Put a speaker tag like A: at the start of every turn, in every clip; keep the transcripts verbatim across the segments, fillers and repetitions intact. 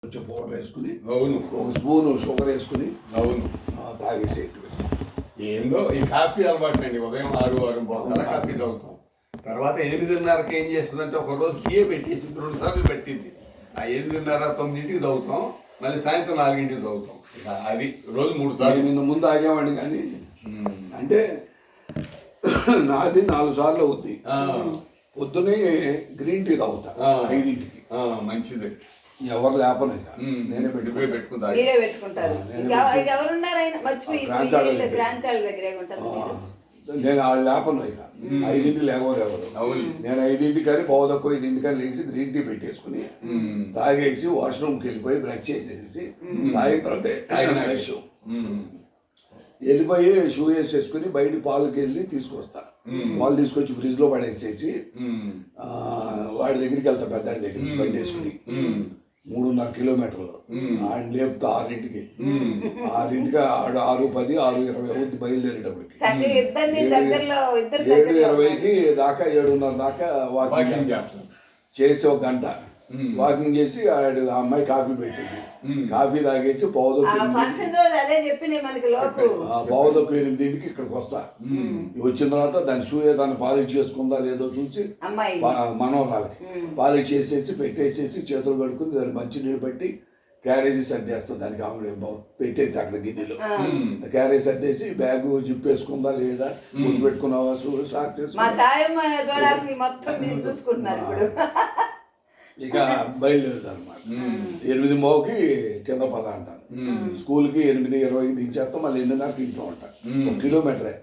A: కొంచెం పౌడర్ వేసుకుని
B: అవును
A: ఒక స్పూన్ షుగర్ వేసుకుని
B: అవును
A: తాగేసేట్టు.
B: ఏందో ఈ కాఫీ అలవాటు అండి. ఉదయం ఆరు ఆరు పోతారా కాఫీ తాగుతాం. తర్వాత ఎనిమిదిన్నరకి ఏం చేస్తుందంటే ఒకరోజు బియ్య పెట్టేసి రెండు సార్లు పెట్టింది. ఆ ఎనిమిదిన్నర తొమ్మిదింటికి తాగుతాం, మళ్ళీ సాయంత్రం నాలుగింటికి తాగుతాం. ఇక అది రోజు మూడు సార్లు.
A: నిన్న ముందు ఆగేవాడిని కానీ అంటే నాది నాలుగు సార్లు అవుద్ది. పొద్దునే గ్రీన్ టీ తాగుతా ఐదింటికి.
B: మంచిది.
A: ఎవరు లేపను నేనే
B: పెట్టుకుని పెట్టుకుంటారు.
A: నేను వాళ్ళు లేపను ఇక ఐదింటికి లేవరు ఎవరు. నేను ఐదింటికి కానీ పోదక్కువ ఐదింటికి కానీ లేచి గ్రీన్ టీ పెట్టేసుకుని తాగేసి వాష్రూమ్కి వెళ్ళిపోయి బ్రష్ చేసేసి తాగిన తర్వాత బ్రష్ వెళ్ళిపోయి షూ వేసేసుకుని బయట పాలకి వెళ్ళి తీసుకొస్తా. పాలు తీసుకొచ్చి ఫ్రిడ్జ్ లో పడేసేసి వాడి దగ్గరికి వెళ్తా, పెద్ద దగ్గరికి బయట వేసుకుని మూడున్నర కిలోమీటర్లు ఆయన లేపుతా ఆరింటికి. ఆరింటికి ఆడు ఆరు పది ఆరు ఇరవై అవుద్ది బయలుదేరేటప్పటికి. ఏడు ఇరవైకి దాకా ఏడున్నర దాకా వాకింగ్ చేస్తాం. చేసి ఒక గంట వాకింగ్ చేసి ఆడు ఆ అమ్మాయి కాఫీ పెట్టింది. కాఫీ తాగేసి పావుదొక్కు పావుదొక్కు ఎనిమిదింటికి ఇక్కడికి వస్తా. వచ్చిన తర్వాత దాని షూ ఏదైనా పాలిష్ చేసుకుందా లేదో చూసి మనోరాలకి పాలిష్ చేసేసి పెట్టేసేసి చేతులు కడుక్కుని దాన్ని మంచి నీళ్ళు పెట్టి క్యారేజీ సర్దేస్తాం. దానికి ఆవిడ పెట్టేసి అక్కడ గిన్నెలో క్యారేజ్ సర్దేసి బ్యాగ్ జిప్ వేసుకుందా లేదా ముందు పెట్టుకున్నావా షూ సాక్ చేసుకున్నా ఇక బయలుదేరుతా అనమాట. ఎనిమిది మోకి కింద పద అంటాను. స్కూల్కి ఎనిమిది ఇరవైకి దించేస్తాం, మళ్ళీ ఎనిమిదిన్నరకి ఇంట్లో ఉంటాను. ఒక కిలోమీటరే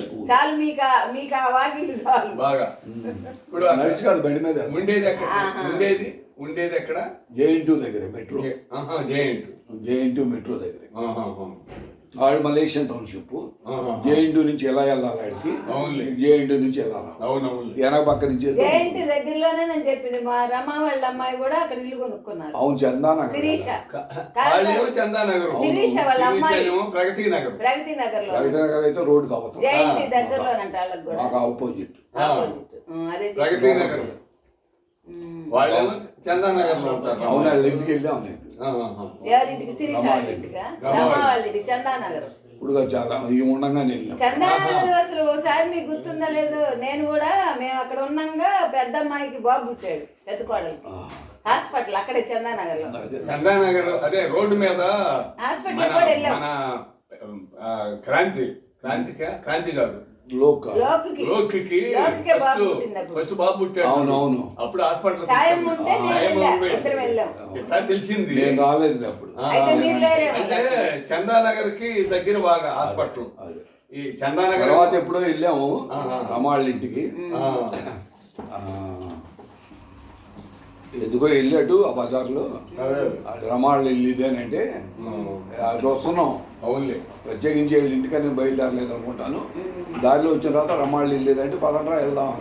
A: నడిచి కాదు బండి మీద.
B: ఉండేది ఉండేది ఉండేది ఎక్కడ?
A: జేఎన్టీ దగ్గర మెట్రో. జేఎన్టీ మెట్రో దగ్గర. ఆడు మలేషియన్ టౌన్షిప్. జేఎన్టీ నుంచి ఎలా వెళ్ళాలి ఆడికి? జేఎన్టీ నుంచి వెళ్ళాలి. వెనక పక్క నుంచి
C: దగ్గరలోనే నేను చెప్పింది. మా రమా వాళ్ళ అమ్మాయి కూడా అక్కడ ఇల్లు కొనుక్కున్నారు.
A: అవును, చందానగర్.
B: చందానగర్ ప్రగతి నగర్.
C: ప్రగతి నగర్ లో
A: ప్రగతి నగర్ అయితే రోడ్డు కావచ్చు.
C: జేఎన్టీ దగ్గరలోనంట వాళ్ళకి కూడా.
A: మాకు ఆపోజిట్
C: అదే
B: ప్రగతి నగర్. వాళ్ళేమో చందానగర్ లో ఉంటారు.
A: అవును, వాళ్ళ ఇంటికి వెళ్ళాము.
C: ఎవరింటికి? శిరీష వాళ్ళ ఇంటికా? రమా వాళ్ళ ఇంటికి చందానగర్.
A: ఇప్పుడు చాలా ఈ ఉండగానే వెళ్ళాం.
C: చందానగర్ అసలు ఒకసారి మీకు గుర్తుందా లేదు? నేను కూడా మేము అక్కడ ఉన్నాగా పెద్ద అమ్మాయికి బాబు పుట్టాడు, పెద్ద కోడలికి. హాస్పిటల్ అక్కడే చందానగర్ లో.
B: చందానగర్ అదే రోడ్డు మీద
C: హాస్పిటల్ కూడా వెళ్ళాం.
B: క్రాంతి క్రాంతిక క్రాంతి కాదు
C: లోకి
B: ఫస్ట్ బాబు పుట్టాడు.
A: అవునవును.
B: అప్పుడు హాస్పిటల్ తెలిసింది.
A: నేను రాలేదు అప్పుడు.
B: అంటే చందానగర్ కి దగ్గర బాగా హాస్పిటల్. ఈ చందానగర్
A: తర్వాత ఎప్పుడో వెళ్ళాము రమాళ్ళ ఇంటికి. ఎందుకో వెళ్ళాడు ఆ బజార్లో. రమాళ్ళు వెళ్ళి ఇదేనంటే అటు వస్తున్నాం.
B: అవునులే,
A: ప్రత్యేకించి వెళ్ళి ఇంటికని బయలుదేరలేదు అనుకుంటాను. దారిలో వచ్చిన తర్వాత రమాళ్ళు వెళ్ళేదంటే పదండ్రా వెళ్దాం.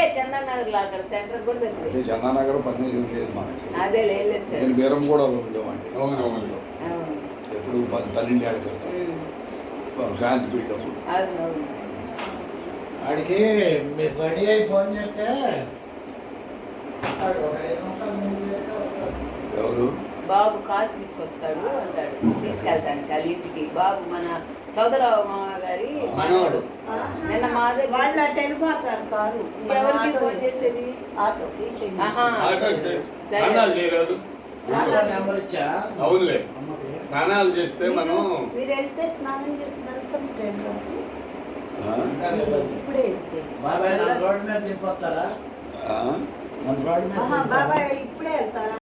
A: అంటే చందానగర్ పదిహేను లేదు మనకి. నేను బీరం కూడా ఉండేవాడిని ఎప్పుడు పది పన్నెండు ఏళ్ళ క్రితం శాంతి పీఠప్పుడు.
D: వాడికి మీరు రెడీ అయి ఫోన్ చేస్తే
A: ఎవరు?
C: బాబు కారు తీసుకొస్తాడు అంటాడు, తీసుకెళ్తాను వాళ్ళ ఇంటికి. బాబు మన చౌదరావు మామ గారి మనవాడు. నిన్న మా దగ్గర వాళ్ళు అటు వెళ్ళిపోతారు కారు. ఎవరికి ఫోన్ చేసేది?
B: అవునులే, స్నానాలు చేస్తే మనం
C: మీరు వెళ్తే స్నానం చేసి వెళ్తాం ట్రైన్లోకి. ఇప్పుడే వెళ్తే
D: బాబాయ్ రోడ్డు మీద దింపొస్తారా?
C: బాబాయ్ ఇప్పుడే వెళ్తారా?